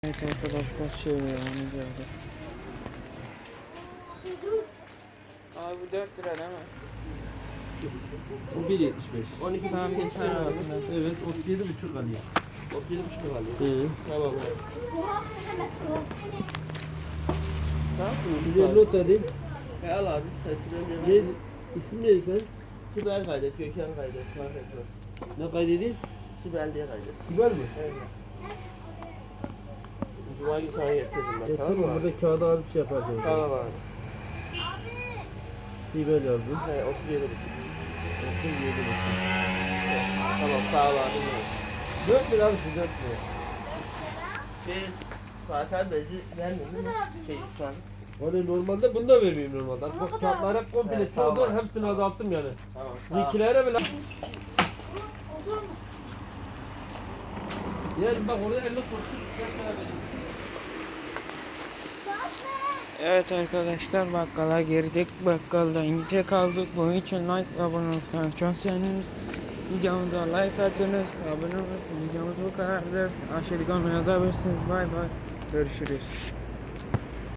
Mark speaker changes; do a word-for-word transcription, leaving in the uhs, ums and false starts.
Speaker 1: Evet arkadaşlar şey yani geldi. Abi dört lira değil mi?
Speaker 2: Bu bir yetmiş beş. on iki
Speaker 1: Tamam,
Speaker 2: buçuk
Speaker 1: bir
Speaker 2: kesme
Speaker 1: tane
Speaker 2: var.
Speaker 1: aldım ben.
Speaker 2: Evet, otuz yedi buçuk alıyor. otuz yedi buçuk alıyor.
Speaker 1: Hı.
Speaker 2: Tamam abi. Tamam mı?
Speaker 3: Bir not edeyim.
Speaker 2: E al abi, sesinden
Speaker 3: Ne,
Speaker 2: devam.
Speaker 3: isim neydi sen?
Speaker 2: Sibel kaydet, Gökhan kaydet, fark etmez.
Speaker 3: Ne kaydedeyim?
Speaker 2: Sibel diye kaydet.
Speaker 3: Sibel mi?
Speaker 2: Evet. Cuma günü sana getiririm ben,
Speaker 3: E,
Speaker 2: tamam mı
Speaker 3: tamam,
Speaker 2: abi?
Speaker 3: burada kağıda alıp şey yaparsın.
Speaker 2: Tamam abi.
Speaker 3: Sibel yazdım.
Speaker 2: He, otuz yedi buçuk.
Speaker 3: otuz yedi buçuk.
Speaker 2: Tamam, sağ ol abi.
Speaker 3: dört lira abi şu dört lira.
Speaker 2: Şey, Fatih bezi vermedin mi? Şey, Üsman.
Speaker 3: Hani normalde bunu da vermeyeyim normalde. Bak kağıtlara komple
Speaker 2: Evet,
Speaker 3: çoğaldı,
Speaker 2: tamam.
Speaker 3: hepsini azalttım yani.
Speaker 2: Tamam, sağ ol.
Speaker 3: Sizinkilere bile. Yani bak orada elli kuruşu dört lira vereyim.
Speaker 1: Evet arkadaşlar bakkala girdik. Bakkalda İngilizce kaldık. Bunun için like ve abone olursanız çok seviniriz. Videomuza like atınız. Abone olursanız videomuz bu kadardır. Aşağıda yazabilirsiniz. Bay bay. Görüşürüz.